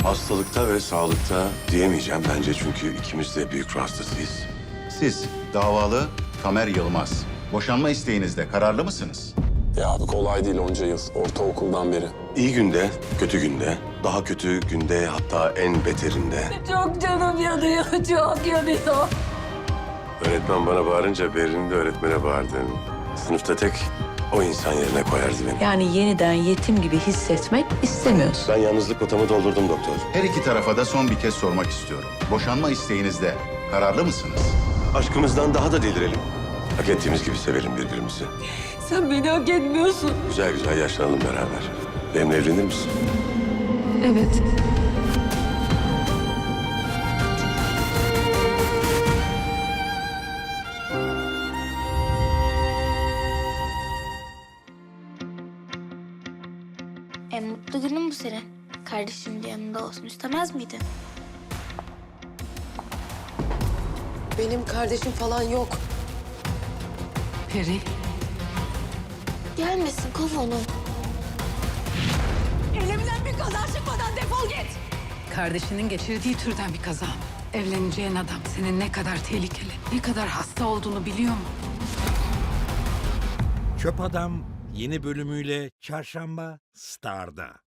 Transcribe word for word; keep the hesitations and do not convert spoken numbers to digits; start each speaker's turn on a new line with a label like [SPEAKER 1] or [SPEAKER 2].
[SPEAKER 1] Hastalıkta ve sağlıkta diyemeyeceğim bence çünkü ikimiz de büyük ruh hastasıyız.
[SPEAKER 2] Siz davalı Tamer Yılmaz. Boşanma isteğinizde kararlı mısınız?
[SPEAKER 3] Ya abi kolay değil onca yıl. Ortaokuldan beri.
[SPEAKER 1] İyi günde, kötü günde, daha kötü günde hatta en beterinde.
[SPEAKER 4] Çok canım yanıyor, çok yanıyor.
[SPEAKER 1] Öğretmen bana bağırınca Berrin'i de öğretmene bağırdım. Sınıfta tek o insan yerine koyardı beni.
[SPEAKER 4] Yani yeniden yetim gibi hissetmek istemiyorsun.
[SPEAKER 1] Ben yalnızlık kotamı doldurdum doktor.
[SPEAKER 2] Her iki tarafa da son bir kez sormak istiyorum. Boşanma isteğinizde kararlı mısınız?
[SPEAKER 1] Aşkımızdan daha da delirelim. Hak ettiğimiz gibi sevelim birbirimizi.
[SPEAKER 4] Sen beni hak etmiyorsun.
[SPEAKER 1] Güzel güzel yaşlanalım beraber. Benimle evlenir misin?
[SPEAKER 4] Evet.
[SPEAKER 5] En mutlu günün bu senin. Kardeşim de yanında olsun istemez miydin?
[SPEAKER 6] Benim kardeşim falan yok.
[SPEAKER 4] Peri.
[SPEAKER 5] Gelmesin kov onu.
[SPEAKER 4] Elimden bir kaza çıkmadan defol git.
[SPEAKER 7] Kardeşinin geçirdiği türden bir kaza mı? Evleneceğin adam senin ne kadar tehlikeli, ne kadar hasta olduğunu biliyor mu?
[SPEAKER 8] Çöp Adam yeni bölümüyle Çarşamba Star'da.